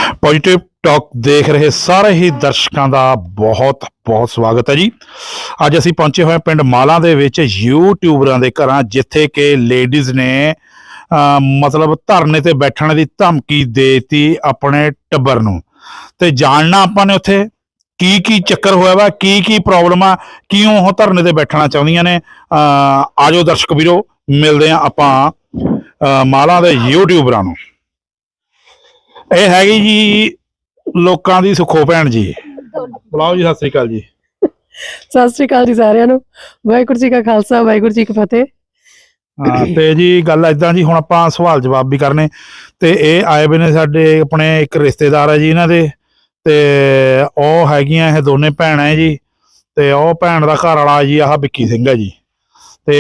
Positive talk ਦੇਖ ਰਹੇ ਸਾਰੇ ਹੀ ਦਰਸ਼ਕਾਂ ਦਾ ਬਹੁਤ ਬਹੁਤ ਸਵਾਗਤ ਹੈ ਜੀ। ਅੱਜ ਅਸੀਂ ਪਹੁੰਚੇ ਹੋਏ ਪਿੰਡ ਮਾਲਾ ਦੇ ਵਿੱਚ ਯੂਟਿਊਬਰਾਂ ਦੇ ਘਰਾਂ, ਜਿੱਥੇ ਕਿ ਲੇਡੀਜ਼ ਨੇ ਮਤਲਬ ਧਰਨੇ ਤੇ ਬੈਠਣ ਦੀ ਧਮਕੀ ਦੇਤੀ ਆਪਣੇ ਟੱਬਰ ਨੂੰ। ਤੇ ਜਾਣਨਾ ਆਪਾਂ ਨੇ ਉੱਥੇ ਕੀ ਚੱਕਰ ਹੋਇਆ ਵਾ, ਕੀ ਪ੍ਰੋਬਲਮ ਆ, ਕਿਉਂ ਉਹ ਧਰਨੇ ਤੇ ਬੈਠਣਾ ਚਾਹੁੰਦੀਆਂ ਨੇ। ਆਜੋ ਦਰਸ਼ਕ ਵੀਰੋ, ਮਿਲਦੇ ਆ ਆਪਾਂ ਮਾਲਾ ਦੇ ਯੂਟਿਊਬਰਾਂ ਨੂੰ। ਇਹ ਹੈਗੀ ਜੀ ਲੋਕਾਂ ਦੀ ਸੁੱਖੋ ਭੈਣ ਜੀ। ਬੁਲਾਓ ਜੀ। ਸਤਿ ਸ੍ਰੀ ਅਕਾਲ ਜੀ। ਸਤਿ ਸ੍ਰੀ ਅਕਾਲ ਜੀ ਸਾਰਿਆਂ ਨੂੰ। ਵਾਹਿਗੁਰੂ ਜੀ ਕਾ ਖਾਲਸਾ, ਵਾਹਿਗੁਰੂ ਜੀ ਕੀ ਫਤਿਹ। ਤੇ ਜੀ ਗੱਲ ਏਦਾਂ ਜੀ, ਹੁਣ ਆਪਾਂ ਸਵਾਲ ਜਵਾਬ ਵੀ ਕਰਨੇ। ਤੇ ਇਹ ਆਏ ਵੇ ਨੇ ਸਾਡੇ ਆਪਣੇ ਇੱਕ ਰਿਸ਼ਤੇਦਾਰ ਹੈ ਜੀ ਇਹਨਾਂ ਦੇ, ਤੇ ਉਹ ਹੈਗੀਆਂ ਇਹ ਦੋਨੇ ਭੈਣਾਂ ਹੈ ਜੀ। ਤੇ ਉਹ ਭੈਣ ਦਾ ਘਰ ਵਾਲਾ ਜੀ ਆਹ ਵਿੱਕੀ ਸਿੰਘ ਹੈ ਜੀ। ਤੇ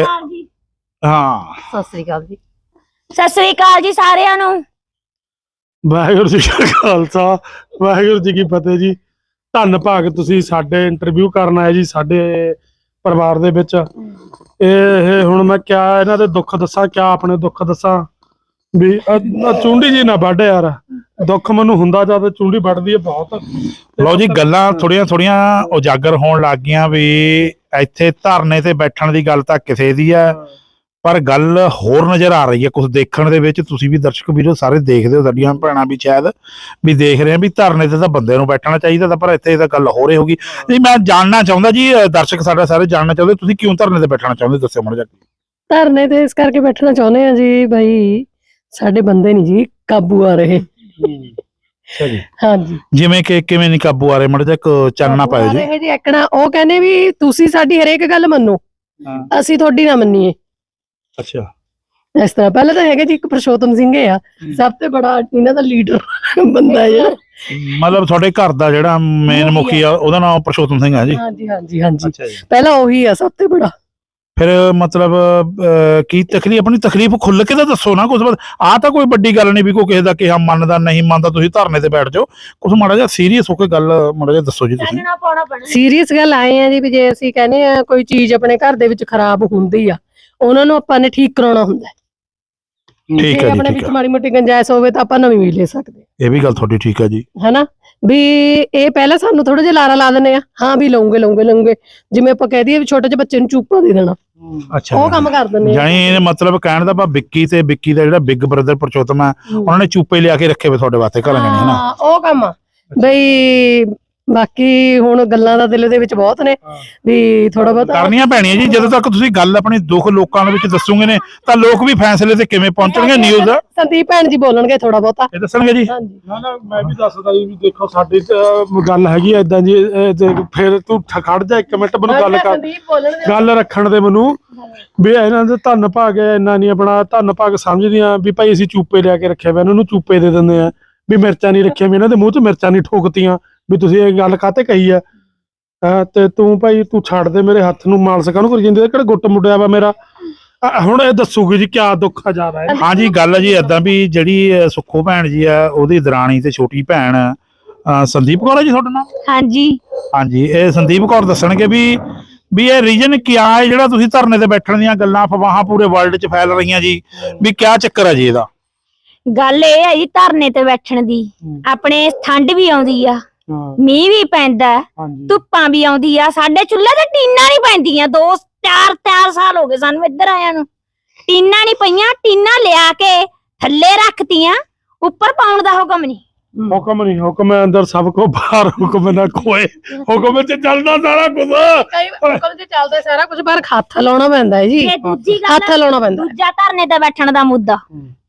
ਹਾਂ, ਸਤਿ ਸ੍ਰੀ ਅਕਾਲ ਜੀ। ਸਤਿ ਸ੍ਰੀ ਅਕਾਲ ਜੀ ਸਾਰਿਆਂ ਨੂੰ। ਵਾਹਿਗੁਰੂ ਜੀ ਕਾ ਖਾਲਸਾ, ਵਾਹਿਗੁਰੂ ਜੀ ਕੀ ਫਤਿਹ ਜੀ। ਧੰਨ ਭਾਗ ਤੁਸੀਂ ਸਾਡੇ ਇੰਟਰਵਿਊ ਕਰਨ ਆਏ ਜੀ ਸਾਡੇ ਪਰਿਵਾਰ ਦੇ ਵਿੱਚ। ਇਹ ਹੁਣ ਮੈਂ ਕਿਆ ਇਹਨਾਂ ਦੇ ਦੁੱਖ ਦੱਸਾਂ, ਕਿਆ ਆਪਣੇ ਦੁੱਖ ਦੱਸਾਂ ਵੀ ਚੁੰਡੀ ਜੀ ਨਾ ਵੱਢ ਯਾਰ। ਦੁੱਖ ਮੈਨੂੰ ਹੁੰਦਾ ਜਦ ਚੁੰਡੀ ਵੱਢਦੀ ਹੈ ਬਹੁਤ। ਲਓ ਜੀ, ਗੱਲਾਂ ਥੋੜੀਆਂ ਉਜਾਗਰ ਹੋਣ ਲੱਗ ਗਈਆਂ ਵੀ ਇੱਥੇ ਧਰਨੇ ਤੇ ਬੈਠਣ ਦੀ ਗੱਲ ਤਾਂ ਕਿਸੇ ਦੀ ਹੈ, ਪਰ ਗੱਲ ਹੋਰ ਨਜ਼ਰ ਆ ਰਹੀ ਹੈ ਕੁਝ ਦੇਖਣ ਦੇ ਵਿੱਚ। ਤੁਸੀਂ ਵੀ ਦਰਸ਼ਕ ਵੀਰੋ ਸਾਰੇ ਦੇਖਦੇ ਹੋ, ਸਾਡੀਆਂ ਭੈਣਾਂ ਵੀ ਸ਼ਾਇਦ ਵੀ ਦੇਖ ਰਹੇ ਆ ਵੀ ਧਰਨੇ ਤੇ ਤਾਂ ਬੰਦੇ ਨੂੰ ਬੈਠਣਾ ਚਾਹੀਦਾ ਤਾਂ, ਪਰ ਇੱਥੇ ਤਾਂ ਗੱਲ ਹੋ ਰਹੀ ਹੋਗੀ ਜੀ। ਮੈਂ ਜਾਣਨਾ ਚਾਹੁੰਦਾ ਜੀ, ਦਰਸ਼ਕ ਸਾਡਾ ਸਾਰੇ ਜਾਣਨਾ ਚਾਹੁੰਦੇ, ਤੁਸੀਂ ਕਿਉਂ ਧਰਨੇ ਤੇ ਬੈਠਣਾ ਚਾਹੁੰਦੇ, ਦੱਸਿਓ ਮਾੜਾ ਜਿਹਾ। ਧਰਨੇ ਤੇ ਇਸ ਕਰਕੇ ਬੈਠਣਾ ਚਾਹੁੰਦੇ ਆ ਜੀ, ਬਈ ਸਾਡੇ ਬੰਦੇ ਨਹੀਂ ਜੀ ਕਾਬੂ ਆ ਰਹੇ। ਹਾਂਜੀ, ਜਿਵੇਂ ਕਿ ਕਿਵੇਂ ਨਹੀਂ ਕਾਬੂ ਆ ਰਹੇ, ਮਾੜਾ ਜਿਹਾ ਚਾਨਣਾ ਪਾਇਓ ਜੀ। ਇਹ ਜੀ ਐਕਣਾ ਉਹ ਕਹਿੰਦੇ ਵੀ ਤੁਸੀਂ ਸਾਡੀ ਹਰੇਕ ਗੱਲ ਮੰਨੋ, ਅਸੀਂ ਤੁਹਾਡੀ ਨਾ ਮੰਨੀਏ। ਅੱਛਾ, ਇਸ ਤਰ੍ਹਾਂ ਪਹਿਲਾਂ ਤਾਂ ਹੈਗਾ ਜੀ ਇੱਕ ਪ੍ਰਸ਼ੋਤਮ ਸਿੰਘ ਆ, ਸਭ ਤੋਂ ਬੜਾ ਇਹਨਾਂ ਦਾ ਲੀਡਰ ਬੰਦਾ ਹੈ। ਮਤਲਬ ਤੁਹਾਡੇ ਘਰ ਦਾ ਜਿਹੜਾ ਮੇਨ ਮੁਖੀ ਆ ਉਹਦਾ ਨਾਮ ਪ੍ਰਸ਼ੋਤਮ ਸਿੰਘ ਹੈ ਜੀ। ਹਾਂਜੀ ਹਾਂਜੀ ਹਾਂਜੀ, ਅੱਛਾ ਜੀ। ਪਹਿਲਾਂ ਉਹੀ ਆ ਸਭ ਤੋਂ ਬੜਾ। ਫਿਰ ਮਤਲਬ ਕੀ ਤਕਲੀਫ, ਆਪਣੀ ਤਕਲੀਫ ਖੁੱਲ ਕੇ ਤਾਂ ਦੱਸੋ ਨਾ ਕੁਝ। ਆਹ ਤਾਂ ਕੋਈ ਵੱਡੀ ਗੱਲ ਨਹੀਂ ਵੀ ਕੋਈ ਕਿਸੇ ਦਾ ਕਿਹਾ ਮੰਨਦਾ ਨਹੀਂ ਮੰਨਦਾ, ਤੁਸੀਂ ਧਰਨੇ ਤੇ ਬੈਠ ਜਾਓ। ਕੁਝ ਮਾੜਾ ਜਿਹਾ ਸੀਰੀਅਸ ਹੋ ਕੇ ਗੱਲ ਮਾੜਾ ਜਿਹਾ ਦੱਸੋ ਜੀ ਤੁਸੀਂ। ਸੀਰੀਅਸ ਗੱਲ ਆਏ ਆ ਜੀ ਵੀ ਜੇ ਅਸੀਂ ਕਹਿੰਦੇ ਆ ਕੋਈ ਚੀਜ਼ ਆਪਣੇ ਘਰ ਦੇ ਵਿੱਚ ਖਰਾਬ ਹੁੰਦੀ ਆ, ਉਹਨਾਂ ਨੂੰ ਆਪਾਂ ਨੇ ਠੀਕ ਕਰਾਉਣਾ ਹੁੰਦਾ। ਠੀਕ ਹੈ ਜੀ, ਆਪਣੇ ਠੀਕ ਵਿੱਚ ਹੈ। ਮਾੜੀ ਮੋਟੀ ਗੁੰਜਾਇਸ਼ ਹੋਵੇ ਤਾਂ ਆਪਾਂ ਨਵੀਂ ਵੀ ਲੈ ਸਕਦੇ। ਇਹ ਵੀ ਗੱਲ ਤੁਹਾਡੀ ਠੀਕ ਹੈ ਜੀ। ਹਨਾ ਵੀ ਇਹ ਪਹਿਲਾਂ ਸਾਨੂੰ ਥੋੜਾ ਜਿਹਾ ਲਾਰਾ ਲਾ ਦਿੰਦੇ ਆ, ਹਾਂ ਵੀ ਲਊਂਗੇ। ਜਿਵੇਂ ਆਪਾਂ ਕਹਿ ਦਈਏ ਵੀ ਛੋਟੇ ਜਿਹੇ ਬੱਚੇ ਨੂੰ ਚੂਪਾ ਦੇ ਦੇਣਾ, ਅੱਛਾ, ਉਹ ਕੰਮ ਕਰ ਦਿੰਦੇ ਆ। ਜਾਨੀ ਇਹ ਮਤਲਬ ਕਹਿਣ ਦਾ ਭਾਵ ਵਿੱਕੀ ਤੇ ਵਿੱਕੀ ਦਾ ਜਿਹੜਾ ਬਿਗ ਬ੍ਰਦਰ ਪ੍ਰਚੋਤਮ ਹੈ, ਉਹਨਾਂ ਨੇ ਚੂਪੇ ਲਿਆ ਕੇ ਰੱਖੇ ਵੇ ਤੁਹਾਡੇ ਵਾਸਤੇ ਘਰਾਂ ਜਾਣੀ, ਹੈ ਨਾ? ਹਾਂ, ਉਹ ਕੰਮ ਆ ਬਈ। ਬਾਕੀ ਹੁਣ ਗੱਲਾਂ ਦਾ ਦਿਲ ਦੇ ਵਿੱਚ ਬਹੁਤ ਨੇ ਵੀ ਥੋੜਾ ਬਹੁਤ ਕਰਨੀਆਂ ਪੈਣੀਆਂ ਜੀ। ਜਦੋਂ ਤੱਕ ਤੁਸੀਂ ਗੱਲ ਆਪਣੀ ਦੁੱਖ ਲੋਕਾਂ ਦੇ ਵਿੱਚ ਦੱਸੋਗੇ ਨੇ ਤਾਂ ਲੋਕ ਵੀ ਫੈਸਲੇ ਤੇ ਕਿਵੇਂ ਪਹੁੰਚਣਗੇ। ਨਿਊਜ਼ ਸੰਦੀਪ ਭੈਣ ਜੀ ਬੋਲਣਗੇ ਥੋੜਾ ਬਹੁਤਾ, ਇਹ ਦੱਸਣਗੇ ਜੀ। ਹਾਂਜੀ ਨਾ ਮੈਂ ਵੀ ਦੱਸਦਾ ਜੀ ਵੀ ਦੇਖੋ ਸਾਡੀ ਗੱਲ ਹੈਗੀ ਆ ਏਦਾਂ ਜੀ। ਫਿਰ ਤੂੰ ਖੜ ਜਾ ਇੱਕ ਮਿੰਟ, ਮੈਨੂੰ ਗੱਲ ਕਰ, ਸੰਦੀਪ ਬੋਲਣਗੇ। ਗੱਲ ਰੱਖਣ ਦੇ ਮੈਨੂੰ ਵੀ ਇਹਨਾਂ ਦੇ ਧੰਨ ਭਾਗ ਇੰਨਾ ਨਹੀਂ ਆਪਣਾ ਧੰਨ ਭਾਗ ਸਮਝਦੀਆਂ ਵੀ ਭਾਈ ਅਸੀਂ ਚੂਪੇ ਲਿਆ ਕੇ ਰੱਖਿਆ ਵਾ, ਇਹਨਾਂ ਨੂੰ ਚੂਪੇ ਦੇ ਦਿੰਦੇ ਆ ਵੀ ਮਿਰਚਾਂ ਨਹੀਂ ਰੱਖੀਆਂ, ਵੀ ਇਹਨਾਂ ਦੇ ਮੂੰਹ 'ਚ ਮਿਰਚਾਂ ਨਹੀਂ ਠੋਕਤੀਆਂ ਵੀ ਤੁਸੀਂ ਇਹ ਗੱਲ ਕਾਹਤੇ ਕਹੀ ਆ। ਤੇ ਤੂੰ ਭਾਈ ਤੂੰ ਛੱਡ ਦੇ, ਮੇਰੇ ਹੱਥ ਨੂੰ ਮਾਲਸ ਕਾਹਨੂੰ ਕਰੀ ਜਾਂਦੇ, ਕਿਹੜਾ ਗੁੱਟ ਮੁੱਡਿਆ ਵਾ ਮੇਰਾ। ਹੁਣ ਇਹ ਦੱਸੂਗੀ ਜੀ ਕਿਆ ਦੁੱਖ ਆ ਜ਼ਿਆਦਾ ਹੈ। ਹਾਂ ਜੀ, ਗੱਲ ਜੀ ਏਦਾਂ ਵੀ ਜਿਹੜੀ ਸੁੱਖੋ ਭੈਣ ਜੀ ਆ, ਉਹਦੀ ਦਰਾਣੀ ਤੇ ਛੋਟੀ ਭੈਣ ਸੰਦੀਪ ਕੌਰ ਹੈ ਜੀ ਤੁਹਾਡਾ ਨਾਮ? ਹਾਂਜੀ ਹਾਂਜੀ, ਇਹ ਸੰਦੀਪ ਕੌਰ ਦੱਸਣਗੇ ਵੀ ਇਹ ਰੀਜਨ ਕਿਆ ਹੈ ਜਿਹੜਾ ਤੁਸੀਂ ਧਰਨੇ ਤੇ ਬੈਠਣ ਦੀਆਂ ਗੱਲਾਂ ਅਫਵਾਹਾਂ ਪੂਰੇ ਵਰਲਡ 'ਚ ਫੈਲ ਰਹੀਆਂ ਜੀ, ਵੀ ਕਿਆ ਚੱਕਰ ਹੈ ਜੀ ਇਹਦਾ? ਗੱਲ ਇਹ ਹੈ ਜੀ ਧਰਨੇ ਤੇ ਬੈਠਣ ਦੀ, ਆਪਣੇ ਠੰਡ ਵੀ ਆਉਂਦੀ ਆ, ਮੀਂਹ ਵੀ ਪੈਂਦਾ, ਧੁੱਪਾਂ ਵੀ ਆਉਂਦੀ ਆ, ਸਾਡੇ ਚੁੱਲ੍ਹੇ ਤੇ ਟੀਨਾਂ ਨਹੀਂ ਪੈਂਦੀਆਂ। 4 ਸਾਲ ਹੋ ਗਏ ਸਾਨੂੰ ਇੱਧਰ ਆਇਆਂ ਨੂੰ, ਟੀਨਾਂ ਨਹੀਂ ਪਈਆਂ। ਟੀਨਾਂ ਲਿਆ ਕੇ ਥੱਲੇ ਰੱਖਤੀਆਂ, ਉੱਪਰ ਪਾਉਣ ਦਾ ਹੁਕਮ ਨਹੀਂ। ਹੁਕਮ ਨਹੀਂ, ਹੁਕਮ ਹੈ ਅੰਦਰ ਸਭ ਕੋ ਬਾਹਰ ਹੁਕਮ ਨਾ ਕੋਏ, ਹੁਕਮ 'ਚ ਚੱਲਦਾ ਸਾਰਾ ਕੁਝ। ਹੁਕਮ 'ਚ ਚੱਲਦਾ ਸਾਰਾ ਕੁਝ, ਪਰ ਹੱਥ ਲਾਉਣਾ ਪੈਂਦਾ ਹੈ ਜੀ। ਦੂਜੀ ਗੱਲ, ਹੱਥ ਲਾਉਣਾ ਪੈਂਦਾ। ਦੂਜਾ ਧਰਨੇ ਤੇ ਬੈਠਣ ਦਾ ਮੁੱਦਾ,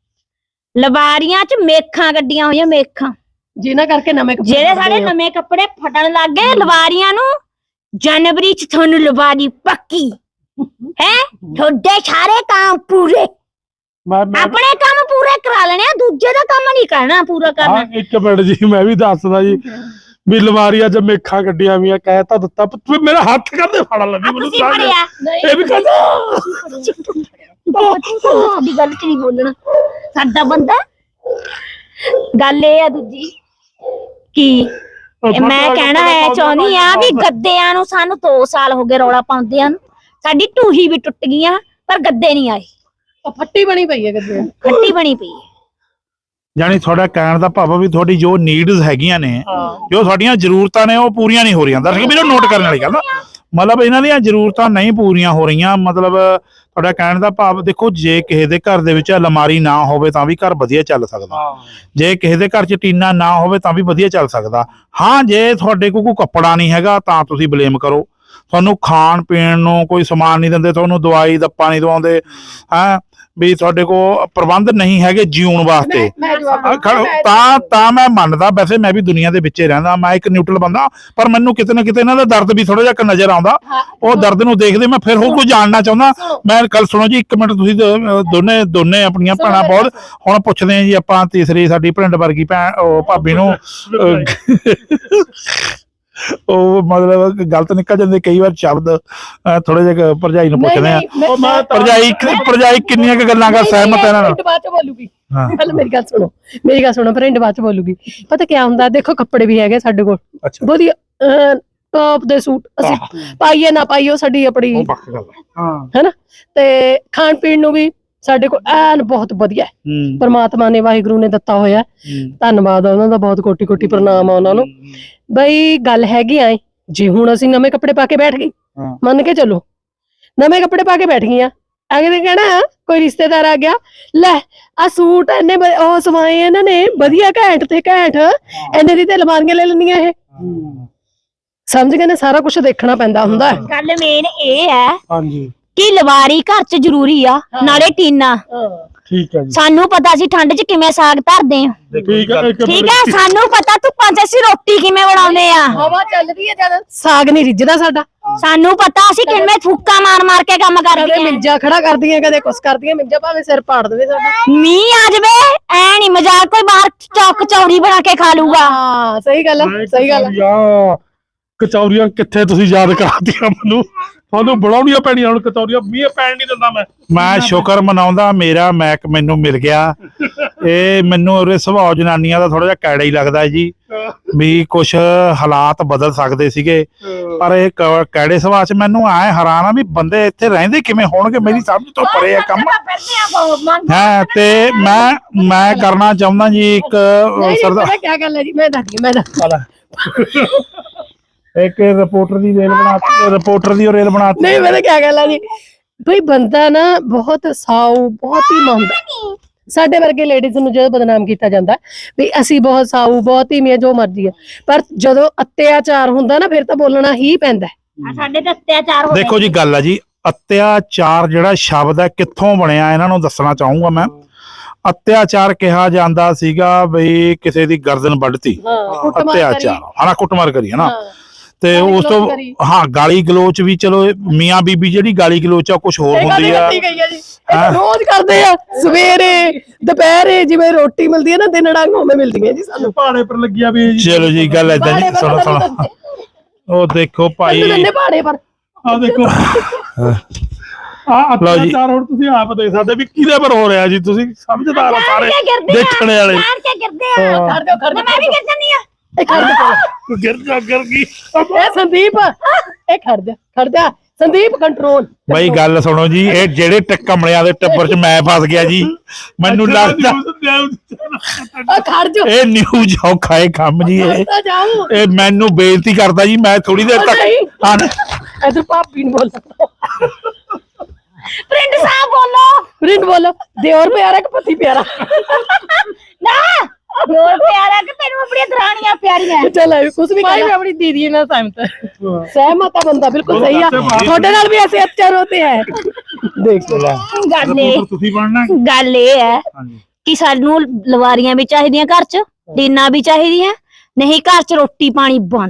ਲਵਾਰੀਆਂ 'ਚ ਮੇਖਾਂ ਗੱਡੀਆਂ ਹੋਈਆਂ, ਮੇਖਾਂ ਜਿਨ੍ਹਾਂ ਕਰਕੇ ਨਵੇਂ ਜਿਹੜੇ ਸਾਡੇ ਨਵੇਂ ਕੱਪੜੇ ਫਟਣ ਲੱਗ ਗਏ। ਲਵਾਰੀਆਂ ਨੂੰ ਜਨਵਰੀ 'ਚ ਤੁਹਾਨੂੰ ਲਵਾਰੀ ਪੱਕੀ ਹੈ। ਤੁਹਾਡੇ ਸਾਰੇ ਕੰਮ ਪੂਰੇ, ਆਪਣੇ ਕੰਮ ਪੂਰੇ ਕਰਾ ਲੈਣੇ ਆ, ਦੂਜੇ ਦਾ ਕੰਮ ਨਹੀਂ ਕਰਨਾ, ਪੂਰਾ ਕਰਨਾ। ਇੱਕ ਮਿੰਟ ਜੀ, ਮੈਂ ਵੀ ਦੱਸਦਾ ਜੀ ਵੀ ਲਵਾਰੀਆਂ 'ਚ ਮੇਖਾਂ ਗੱਡੀਆਂ ਵੀ ਆ, ਕਹਿ ਤਾਂ ਦਿੱਤਾ। ਮੇਰਾ ਹੱਥ ਕਰਦੇ ਫੜ ਲੈਂਦੀ ਮੈਨੂੰ, ਇਹ ਵੀ ਕਹਿੰਦਾ ਦੀ ਗੱਲ 'ਚ ਨਹੀਂ ਬੋਲਣਾ ਸਾਡਾ ਬੰਦਾ। ਗੱਲ ਇਹ ਆ ਦੂਜੀ ਕੀ ਮੈਂ ਕਹਿਣਾ ਹੈ ਚਾਹੁੰਦੀ ਆ ਵੀ ਗੱਦਿਆਂ ਨੂੰ ਸਾਨੂੰ 2 ਸਾਲ ਹੋ ਗਏ ਰੌਲਾ ਪਾਉਂਦਿਆਂ ਨੂੰ, ਸਾਡੀ ਟੂਹੀ ਵੀ ਟੁੱਟ ਗਈਆਂ ਪਰ ਗੱਦੇ ਨਹੀਂ ਆਏ। ਫੱਟੀ ਬਣੀ ਪਈ ਹੈ ਗੱਦੇ, ਫੱਟੀ ਬਣੀ ਪਈ ਹੈ। ਯਾਨੀ ਤੁਹਾਡਾ ਕਹਿਣ ਦਾ ਭਾਵ ਆ ਵੀ ਤੁਹਾਡੀ ਜੋ ਨੀਡਸ ਹੈਗੀਆਂ ਨੇ, ਜੋ ਤੁਹਾਡੀਆਂ ਜ਼ਰੂਰਤਾਂ ਨੇ ਉਹ ਪੂਰੀਆਂ ਨਹੀਂ ਹੋ ਰਹੀਆਂ। ਦਰਸ਼ਕ ਵੀਰੋ ਨੋਟ ਕਰਨ ਵਾਲੀ ਗੱਲ ਆ, ਮਤਲਬ ਇਹਨਾਂ ਦੀਆਂ ਜ਼ਰੂਰਤਾਂ ਨਹੀਂ ਪੂਰੀਆਂ ਹੋ ਰਹੀਆਂ। ਮਤਲਬ ਤੁਹਾਡਾ ਕਹਿਣ ਦਾ ਭਾਵ ਦੇਖੋ, ਜੇ ਕਿਸੇ ਦੇ ਘਰ ਦੇ ਵਿੱਚ ਅਲਮਾਰੀ ਨਾ ਹੋਵੇ ਤਾਂ ਵੀ ਘਰ ਵਧੀਆ ਚੱਲ ਸਕਦਾ, ਜੇ ਕਿਸੇ ਦੇ ਘਰ 'ਚ ਟੀਨਾ ਨਾ ਹੋਵੇ ਤਾਂ ਵੀ ਵਧੀਆ ਚੱਲ ਸਕਦਾ। ਹਾਂ, ਜੇ ਤੁਹਾਡੇ ਕੋਲ ਕੋਈ ਕੱਪੜਾ ਨਹੀਂ ਹੈਗਾ ਤਾਂ ਤੁਸੀਂ ਬਲੇਮ ਕਰੋ, ਤੁਹਾਨੂੰ ਖਾਣ ਪੀਣ ਨੂੰ ਕੋਈ ਸਮਾਨ ਨਹੀਂ ਦਿੰਦੇ, ਤੁਹਾਨੂੰ ਦਵਾਈ ਦੱਪਾ ਨਹੀਂ ਦਵਾਉਂਦੇ, ਹਾਂ ਵੀ ਤੁਹਾਡੇ ਕੋਲ ਪ੍ਰਬੰਧ ਨਹੀਂ ਹੈਗੇ ਜੀਉਣ ਵਾਸਤੇ, ਤਾਂ ਮੈਂ ਮੰਨਦਾ। ਵੈਸੇ ਮੈਂ ਵੀ ਦੁਨੀਆ ਦੇ ਵਿੱਚ ਹੀ ਰਹਿੰਦਾ, ਮੈਂ ਇੱਕ ਨਿਊਟਰਲ ਬੰਦਾ, ਪਰ ਮੈਨੂੰ ਕਿਤੇ ਨਾ ਕਿਤੇ ਇਹਨਾਂ ਦਾ ਦਰਦ ਵੀ ਥੋੜਾ ਜਿਹਾ ਨਜ਼ਰ ਆਉਂਦਾ। ਉਹ ਦਰਦ ਨੂੰ ਦੇਖਦੇ ਮੈਂ ਫਿਰ ਹੋਰ ਕੁਝ ਜਾਣਨਾ ਚਾਹੁੰਦਾ। ਮੈਂ ਗੱਲ ਸੁਣੋ ਜੀ, 1 ਮਿੰਟ, ਤੁਸੀਂ ਦੋਨੇ ਆਪਣੀਆਂ ਭੈਣਾਂ ਬਹੁਤ ਹੁਣ ਪੁੱਛਦੇ ਆ ਜੀ ਆਪਾਂ ਤੀਸਰੀ ਸਾਡੀ ਭਰਿੰਡ ਵਰਗੀ ਭੈਣ ਉਹ ਭਾਬੀ ਨੂੰ ਉਹ ਮਤਲਬ ਗਲਤ ਨਿਕਲ ਜਾਂਦੇ ਕਈ ਵਾਰ ਸ਼ਬਦ, ਥੋੜੇ ਜਿਹਾ ਭਰਜਾਈ ਨੂੰ ਪੁੱਛਦੇ ਆ, ਭਰਜਾਈ ਕਿੰਨੀਆਂ ਕੁ ਗੱਲਾਂ ਕਰ ਸਹਿਮਤ ਹੈ ਇਹਨਾਂ ਨਾਲ? ਬਾਅਦ ਚ ਬੋਲੂਗੀ, ਪਹਿਲਾਂ ਮੇਰੀ ਗੱਲ ਸੁਣੋ, ਭਰਿੰਡ ਬਾਅਦ ਚ ਬੋਲੂਗੀ। ਪਤਾ ਕੀ ਹੁੰਦਾ, ਦੇਖੋ ਕੱਪੜੇ ਵੀ ਹੈਗੇ ਸਾਡੇ ਕੋਲ ਵਧੀਆ ਟੌਪ ਦੇ ਸੂਟ, ਅਸੀਂ ਪਾਈਏ ਨਾ ਪਾਈਏ ਉਹ ਸਾਡੀ ਆਪਣੀ ਹੈਨਾ, ਤੇ ਖਾਣ ਪੀਣ ਨੂੰ ਵੀ ਸਾਡੇ ਕੋਲ ਐਨ ਬਹੁਤ ਵਧੀਆ ਹੈ। ਪਰਮਾਤਮਾ ਨੇ, ਵਾਹਿਗੁਰੂ ਨੇ ਦਿੱਤਾ ਹੋਇਆ, ਧੰਨਵਾਦ ਉਹਨਾਂ ਦਾ, ਬਹੁਤ ਕੋਟੀ ਕੋਟੀ ਪ੍ਰਣਾਮ ਆ ਉਹਨਾਂ ਨੂੰ। ਬਈ ਗੱਲ ਹੈਗੀ ਐ, ਜੇ ਹੁਣ ਅਸੀਂ ਨਵੇਂ ਕੱਪੜੇ ਪਾ ਕੇ ਬੈਠ ਗਏ, ਮੰਨ ਕੇ ਚੱਲੋ ਨਵੇਂ ਕੱਪੜੇ ਪਾ ਕੇ ਬੈਠ ਗਈਆਂ, ਅਗਲੇ ਕਹਿਣਾ ਕੋਈ ਰਿਸ਼ਤੇਦਾਰ ਆ ਗਿਆ, ਲੈ ਆ ਸੂਟ ਇਹਨੇ ਉਹ ਸਵਾਏ ਇਹਨਾਂ ਨੇ ਵਧੀਆ ਘੈਂਟ ਤੇ ਘੈਂਟ, ਇਹਨੇ ਦੀ ਤੇ ਅਲਮਾਰੀਆਂ ਲੈ ਲੈਣੀਆਂ ਇਹ। ਸਮਝ ਗਏ ਨੇ, ਸਾਰਾ ਕੁਝ ਦੇਖਣਾ ਪੈਂਦਾ ਹੁੰਦਾ। ਗੱਲ ਮੇਨ ਇਹ ਹੈ ਹਾਂਜੀ ਕਿ ਲਵਾਰੀ ਘਰ 'ਚ ਜ਼ਰੂਰੀ ਆ, ਨਾਲੇ ਟੀਨਾ। ਠੀਕ ਹੈ ਜੀ, ਸਾਨੂੰ ਪਤਾ ਸੀ ਠੰਡ 'ਚ ਕਿਵੇਂ ਸਾਗ ਧਰਦੇ ਆ, ਠੀਕ ਹੈ, ਸਾਨੂੰ ਪਤਾ ਧੁੱਪਾਂ 'ਚ ਅਸੀਂ ਰੋਟੀ ਕਿਵੇਂ ਬਣਾਉਂਦੇ ਆ, ਹਵਾ ਚੱਲਦੀ ਹੈ ਜਦ ਸਾਗ ਨਹੀਂ ਰਿੱਝਦਾ ਸਾਡਾ, ਸਾਨੂੰ ਪਤਾ ਅਸੀਂ ਕਿਵੇਂ ਫੂਕਾ ਮਾਰ ਕੇ ਕੰਮ ਕਦੇ ਕਰਦੇ ਆ। ਮਿੰਜਾ ਖੜਾ ਕਰਦੀਆਂ, ਕਦੇ ਕੁਛ ਕਰਦੀਆਂ, ਮਿੰਜਾ ਭਾਵੇਂ ਸਿਰ ਪਾੜ ਦੇਵੇ ਸਾਡਾ। ਮੀਂਹ ਆ ਜਵੇ ਐ ਨਹੀਂ ਮਜ਼ਾਕ, ਕੋਈ ਬਾਹਰ ਚੌਕ ਚੌਰੀ ਬਣਾ ਕੇ ਖਾ ਲੂਗਾ। ਹਾਂ ਸਹੀ ਗੱਲ ਆ, ਸਹੀ ਗੱਲ ਆ। ਕਚੌਰੀਆਂ ਕਿੱਥੇ ਤੁਸੀਂ ਯਾਦ ਕਰਾਤੀਆਂ ਮੈਨੂੰ, ਤੁਹਾਨੂੰ ਬਣਾਉਣੀਆਂ ਪੈਣੀਆਂ ਹੁਣ ਕਚੌਰੀਆਂ, ਮੀਂਹ ਪੈਣ ਨਹੀਂ ਦਿੰਦਾ ਮੈਂ ਸ਼ੁਕਰ ਮਨਾਉਂਦਾ ਮੇਰਾ ਮੈਕ ਮੈਨੂੰ ਮਿਲ ਗਿਆ। ਇਹ ਮੈਨੂੰ ਉਹਦੇ ਸੁਭਾਅ ਜਨਾਨੀਆਂ ਦਾ ਥੋੜਾ ਜਿਹਾ ਕੈੜਾ ਹੀ ਲੱਗਦਾ ਹੈ ਜੀ, ਵੀ ਕੁਛ ਹਾਲਾਤ ਬਦਲ ਸਕਦੇ ਸੀਗੇ, ਪਰ ਇਹ ਕੈੜੇ ਸੁਭਾਅ 'ਚ ਮੈਨੂੰ ਐ ਹੈਰਾਨ ਆ ਵੀ ਬੰਦੇ ਇੱਥੇ ਰਹਿੰਦੇ ਕਿਵੇਂ ਹੋਣਗੇ, ਮੇਰੀ ਸਮਝ ਤੋਂ ਪਰੇ ਆ ਕੰਮ ਹੈ। ਤੇ ਮੈਂ ਕਰਨਾ ਚਾਹੁੰਦਾ ਜੀ ਇੱਕ ਸਰਦਾਰ ਕੀ ਗੱਲ ਹੈ ਜੀ, ਮੈਂ ਦੱਸਦੀ ਇੱਕ ਰਿਪੋਰਟਰ ਦੀ ਰੇਲ ਬਣਾਤੀ। ਨਹੀਂ ਮੈਂ ਕੀ ਗੱਲ ਹੈ ਜੀ, ਬਈ ਬੰਦਾ ਨਾ ਬਹੁਤ ਸਾਊ, ਬਹੁਤ ਹੀ ਮੰਨਦਾ। ਸਾਡੇ ਵਰਗੇ ਲੇਡੀਜ਼ ਨੂੰ ਜਦੋਂ ਬਦਨਾਮ ਕੀਤਾ ਜਾਂਦਾ ਵੀ ਅਸੀਂ ਬਹੁਤ ਸਾਊ, ਬਹੁਤ ਹੀ ਮੀਆਂ, ਜੋ ਮਰਜ਼ੀ ਹੈ, ਪਰ ਜਦੋਂ ਅਤਿਆਚਾਰ ਹੁੰਦਾ ਨਾ ਫਿਰ ਤਾਂ ਬੋਲਣਾ ਹੀ ਪੈਂਦਾ। ਸਾਡੇ ਤੇ ਅਤਿਆਚਾਰ ਹੋ ਦੇਖੋ ਜੀ ਗੱਲ ਆ ਜੀ, ਅਤਿਆਚਾਰ ਜਿਹੜਾ ਸ਼ਬਦ ਹੈ ਕਿੱਥੋਂ ਬਣਿਆ ਇਹਨਾਂ ਨੂੰ ਦੱਸਣਾ ਚਾਹੂੰਗਾ ਮੈਂ। ਅਤਿਆਚਾਰ ਕਿਹਾ ਜਾਂਦਾ ਸੀਗਾ ਬਈ ਕਿਸੇ ਦੀ ਗਰਦਨ ਵੱਢਤੀ, ਅਤਿਆਚਾਰ ਹਨਾ, ਕੁੱਟਮਾਰ ਕਰੀ ਹਨਾ। ਤੇ ਉਸ ਤੋਂ ਹਾਂ ਗਾਲੀ ਗਲੋਚ ਵੀ, ਚਲੋ ਮੀਆਂ ਬੀਬੀ ਜਿਹੜੀ ਗਾਲੀ ਗਲੋਚ ਆ ਕੁਝ ਹੋਰ ਹੁੰਦੀ ਆ, ਰੋਜ਼ ਕਰਦੇ ਆ, ਸਵੇਰੇ ਦੁਪਹਿਰੇ ਜਿਵੇਂ ਰੋਟੀ ਮਿਲਦੀ ਹੈ ਨਾ, ਦਿਨ ਡੰਗ ਉਵੇਂ ਮਿਲਦੀਆਂ ਜੀ ਸਾਨੂੰ। ਪਹਾੜੇ ਪਰ ਲੱਗਿਆ ਵੀ ਚਲੋ ਜੀ ਗੱਲ ਏਦਾਂ ਜੀ, ਸੁਣੋ ਉਹ ਦੇਖੋ ਭਾਈ, ਪਹਾੜੇ ਪਰ ਆ ਦੇਖੋ ਅਤਿਆਚਾਰ ਹੁਣ ਤੁਸੀਂ ਆਪ ਦੇਖ ਸਕਦੇ ਵੀ ਕਿਹਦੇ ਪਰ ਹੋ ਰਿਹਾ ਜੀ, ਤੁਸੀਂ ਸਮਝਦਾਰ ਆ ਸਾਰੇ ਦੇਖਣ ਵਾਲੇ। ਮੈਂ ਵੀ ਕਰ ਜਾਂਦੀ ਆ, ਗਿਰ ਗਈ ਸੰਦੀਪ, ਇਹ ਖੜ ਜਾ ਸੰਦੀਪ, ਕੰਟਰੋਲ। ਬਈ ਗੱਲ ਸੁਣੋ ਜੀ, ਇਹ ਜਿਹੜੇ ਕਮਲਿਆਂ ਦੇ ਟੱਬਰ 'ਚ ਮੈਂ ਫਸ ਗਿਆ ਜੀ, ਮੈਨੂੰ ਲੱਗਦਾ ਖੜ ਜਾ, ਇਹ ਨਿਊਜ਼ ਔਖਾ ਹੈ ਕੰਮ ਜੀ। ਇਹ ਮੈਨੂੰ ਬੇਇੱਜ਼ਤੀ ਕਰਦਾ ਜੀ, ਮੈਂ ਥੋੜੀ ਦੇਰ ਤੱਕ ਇਧਰ ਭਾਬੀ ਨੂੰ ਬੋਲ ਪ੍ਰਿੰਟ ਸਾਹਿਬ ਬੋਲੋ, ਦਿਓਰ ਪਿਆਰਾ ਕਿ ਪਤੀ ਪਿਆਰਾ? ਨਾ ਦਿਓਰ ਪਿਆਰਾ ਕਿ ਤੈਨੂੰ ਆਪਣੀਆਂ ਦਰਾਣੀਆਂ ਪਿਆਰੀਆਂ? ਚੱਲ ਕੁਝ ਵੀ मैं अपनी दीदी ਨਾਲ सहमत है बंदा, बिल्कुल सही है। ਤੁਹਾਡੇ ਨਾਲ ਵੀ ऐसे अत्याचार होते हैं, देख ਗੱਲ ਇਹ ਹੈ ਕਿ ਸਾਨੂੰ ਲਵਾਰੀਆਂ ਵੀ ਚਾਹੀਦੀਆਂ ਘਰ 'ਚ, ਟੀਨਾਂ ਵੀ ਚਾਹੀਦੀਆਂ, ਨਹੀਂ ਘਰ 'ਚ ਰੋਟੀ ਪਾਣੀ ਬੰਦ।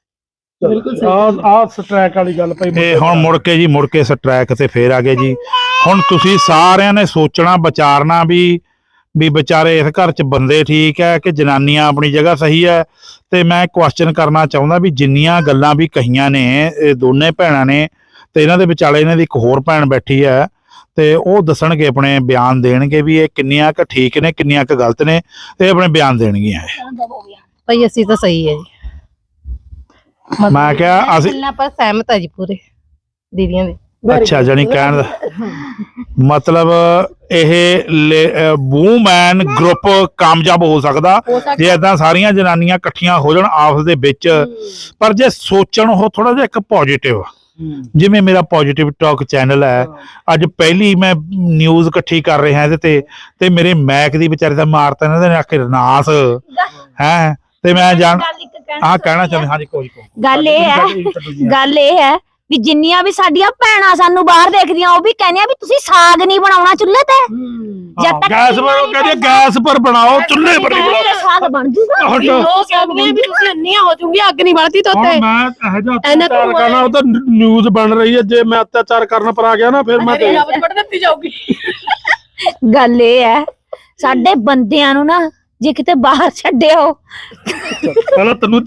ਆ ਸਟ੍ਰੈਕ ਵਾਲੀ ਗੱਲ ਭਾਈ। ਇਹ ਹੁਣ ਮੁੜ ਕੇ ਸਟ੍ਰੈਕ ਤੇ ਫੇਰ ਆ ਗਏ ਜੀ। ਹੁਣ ਤੁਸੀਂ ਸਾਰਿਆਂ ਨੇ ਸੋਚਣਾ ਵਿਚਾਰਨਾ ਵੀ ਵਿਚਾਰੇ ਇਸ ਘਰ 'ਚ ਬੰਦੇ ਠੀਕ ਹੈ ਕਿ ਜਨਾਨੀਆਂ ਆਪਣੀ ਜਗ੍ਹਾ ਸਹੀ ਹੈ। ਤੇ ਮੈਂ ਕੁਐਸਚਨ ਕਰਨਾ ਚਾਹੁੰਦਾ ਵੀ ਜਿੰਨੀਆਂ ਗੱਲਾਂ ਵੀ ਕਹੀਆਂ ਨੇ ਇਹ ਦੋਨੇ ਭੈਣਾਂ ਨੇ, ਤੇ ਇਹਨਾਂ ਦੇ ਵਿਚਾਲੇ ਇਹਨਾਂ ਦੀ ਇੱਕ ਹੋਰ ਭੈਣ ਬੈਠੀ ਹੈ, ਤੇ ਉਹ ਦੱਸਣਗੇ, ਆਪਣੇ ਬਿਆਨ ਦੇਣਗੇ ਵੀ ਇਹ ਕਿੰਨੀਆਂ ਕੁ ਠੀਕ ਨੇ, ਕਿੰਨੀਆਂ ਕੁ ਗਲਤ ਨੇ, ਤੇ ਆਪਣੇ ਬਿਆਨ ਦੇਣਗੀਆਂ। भाई ਅਸੀਂ ਤਾਂ ਸਹੀ ਹੈ ਜੀ, ਮੈਂ ਕਿਹਾ ਅਸੀਂ ਗੱਲਾਂ ਪਰ ਸਹਿਮਤ ਹੈ ਜੀ ਪੂਰੇ ਦੀਦੀਆਂ ਦੇ। ਅੱਛਾ ਜਾਨੀ ਕਹਿਣ ਦਾ ਮਤਲਬ ਇਹ ਵੂਮੈਨ ਗਰੁੱਪ ਕਾਮਯਾਬ ਹੋ ਸਕਦਾ ਜੇ ਏਦਾਂ ਸਾਰੀਆਂ ਜਨਾਨੀਆਂ ਇਕੱਠੀਆਂ ਹੋ ਜਾਣ ਆਪਸ ਦੇ ਵਿੱਚ। ਪਰ ਜੇ ਸੋਚਣ ਉਹ ਥੋੜਾ ਜਿਹਾ ਇੱਕ ਪੋਜੀਟਿਵ, ਜਿਵੇਂ ਮੇਰਾ ਪੋਜੀਟਿਵ ਟਾਕ ਚੈਨਲ ਹੈ, ਅੱਜ ਪਹਿਲੀ ਮੈਂ ਨਿਊਜ਼ ਇਕੱਠੀ ਕਰ ਰਿਹਾ ਇਹਦੇ ਤੇ ਮੇਰੇ ਮੈਕ ਦੀ ਵਿਚਾਰੇ ਦਾ ਮਾਰਤਾ ਇਹਨਾਂ ਨੇ ਆਖਿਰ ਨਾਸ ਹੈ। ਤੇ ਮੈਂ ਜਾਣ ਕਹਿਣਾ ਚਾਹੁੰਦਾ ਹਾਂਜੀ ਕੋਈ ਗੱਲ ਇਹ ਹੈ ਵੀ ਜਿੰਨੀਆਂ ਵੀ ਸਾਡੀਆਂ ਭੈਣਾਂ ਸਾਨੂੰ ਬਾਹਰ ਦੇਖਦੀਆਂ ਉਹ ਵੀ ਕਹਿੰਦੀਆਂ ਵੀ ਤੁਸੀਂ ਸਾਗ ਨਹੀਂ ਬਣਾਉਣਾ ਚੁੱਲ੍ਹੇ ਤੇ, ਜਦ ਤੱਕ ਗੈਸ ਪਰ ਕਹਿੰਦੇ ਗੈਸ ਪਰ ਬਣਾਓ, ਚੁੱਲ੍ਹੇ ਪਰ ਨਹੀਂ ਬਣਾਓ, ਸਾਗ ਬਣ ਜੂਗਾ। ਉਹ ਕਹਿੰਦੇ ਵੀ ਤੁਸੀਂ ਅੰਨੀਆਂ ਹੋ ਜੂਗੀ, ਅੱਗ ਨਹੀਂ ਬਲਦੀ ਹੁਣ ਤੋਤੇ। ਮੈਂ ਇਹੋ ਜਿਹਾ ਅਤਿਆਚਾਰ ਕਰਨਾ, ਉਹ ਤਾਂ ਨਿਊਜ਼ ਬਣ ਰਹੀ ਹੈ, ਜੇ ਮੈਂ ਅਤਿਆਚਾਰ ਕਰਨ ਪਰ ਆ ਗਿਆ ਨਾ ਫਿਰ ਮੈਂ ਦਿੱਤੀ ਜਾਊਗੀ। ਗੱਲ ਇਹ ਹੈ ਸਾਡੇ ਬੰਦਿਆਂ ਨੂੰ ਨਾ ਜੇ ਕਿਤੇ ਬਾਹਰ ਛੱਡਿਓ ਪਹਿਲਾਂ ਤੈਨੂੰ